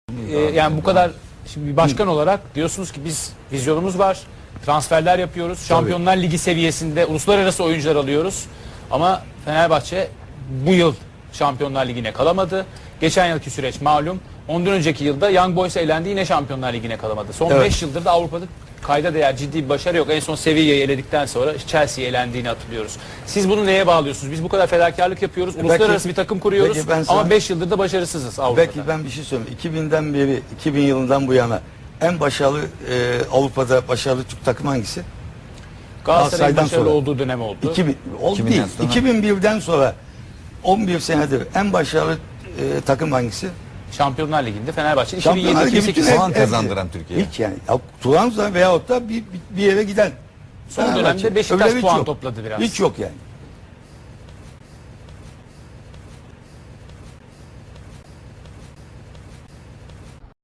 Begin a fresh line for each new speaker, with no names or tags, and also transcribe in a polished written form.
Yani bu kadar şimdi bir başkan olarak diyorsunuz ki biz vizyonumuz var, transferler yapıyoruz, Şampiyonlar Ligi seviyesinde uluslararası oyuncular alıyoruz. Ama Fenerbahçe bu yıl Şampiyonlar Ligi'ne kalamadı. Geçen yılki süreç malum. Ondan önceki yılda Young Boys elendi, yine Şampiyonlar Ligi'ne kalamadı. Son 5 yıldır da Avrupa'da kayda değer ciddi bir başarı yok. En son Sevilla'yı eledikten sonra Chelsea'yi elendiğini hatırlıyoruz. Siz bunu neye bağlıyorsunuz? Biz bu kadar fedakarlık yapıyoruz, uluslararası bir takım kuruyoruz ama 5 yıldır da başarısızız Avrupa'da.
Belki ben bir şey söyleyeyim. 2000'den beri, 2000 yılından bu yana en başarılı Avrupa'da başarılı Türk takım hangisi?
Galatasaray'ın başarılı olduğu dönem oldu.
2000 değil. 2001'den sonra 11 senedir en başarılı takım hangisi?
Şampiyonlar Ligi'nde Fenerbahçe
Şampiyonlar Ligi
2007-2008
puan kazandıran Türkiye.
Hiç yani. Trabzon veyahut da bir yere giden.
son dönemde Beşiktaş puan topladı biraz.
Hiç yok yani.